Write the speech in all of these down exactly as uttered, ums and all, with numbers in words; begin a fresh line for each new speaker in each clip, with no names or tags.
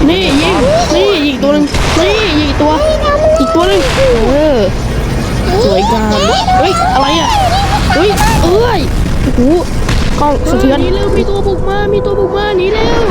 นี่ยิงนี่อีกตัวหนึ่งนี่อีกตัวอีกตัวหนึ่งเออสวยงามเฮ้ยอะไรอ่ะเฮ้ยเอ้ยโอ้โหกล้องสะเทือนนี่เร็วมีตัวบุกมามีตัวบุกมาหนีเร็ว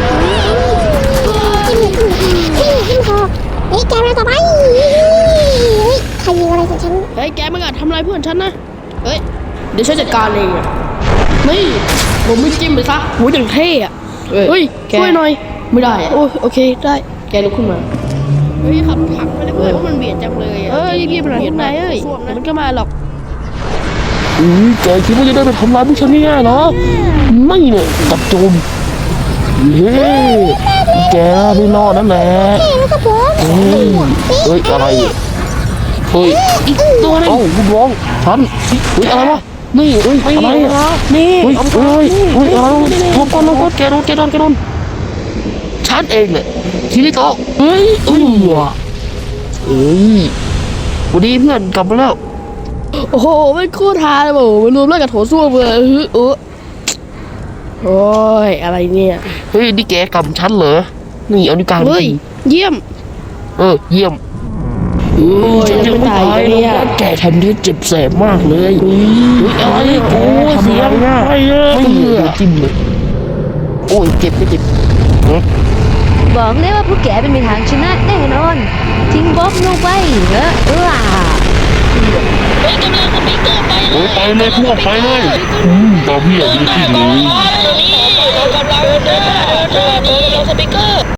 ขึ้นคอเฮ้ยแกมาต่อไปใครยิงอะไรของฉัน
เฮ้ยแกไม่กล้าทำอะไรเพื่อนฉันนะเฮ้ยเดี๋ยวฉันจัดการเองนี่ผมไม่จิ้มเลยซะโหอย่างเท่อะเฮ้ยช่วยหน่อยไม่ได้โอ้โอเคได้แกลุกขึ้นมาเฮ้ยขับถังไปเลยเพื่อนว่ามันเบียดจังเลยเอ้ยยี่ไปไหนข้างในเอ้ยมันก็มาหรอก
อือแกคิดว่าจะได้ไปทำร้ายพวกฉันง่ายๆเหรอไม่เนี่ยจับโจมเฮ้แกไม่รอดนั่นแหละเฮ้ยเฮ้ยอะไรเฮ้ยอีกตัวนึงเอ้าลูกน้องฉันเฮ้ยอะไรวะนี่เฮ้ยอะไรนี่เฮ้ยเฮ้ยเฮ้ยอะไรลงก่อนลงก่อนแกโดนแกโดนแกโดนฉันเองเลยทีนี้ก็เฮ้ยเอ้ยเฮ้ยวันนี้เพื่อนกลับมาแล้ว
โอ้โหมันคู่ท้าเลยโอ้โหมันรวมแล้วกับโถส้วมเลยเออโอ้ยอะไรเนี่ย
เฮ้ยนี่แกกำฉันเหรอนี่เอานิ้วกลาง
เฮ้ยเยี่ยม
เออเยี่ยม
โอ้ยยังไม่ตายเลยอ่ะ
แกทำได้เจ็บแสบมากเลยเฮ้ยอะไรโอ้เสียงไม่เยอะไม่เหลือจิ้มเลยโอ้ยเจ็บไม่เจ็บ
บอกเลยว่าพวกแกเป็นมีทางชนะแน่นอนทิ้งบ๊อบลงไปเนอะเออ
ไปเลยพวกไปเลยอืมตอนพี่อยากดูที่เลย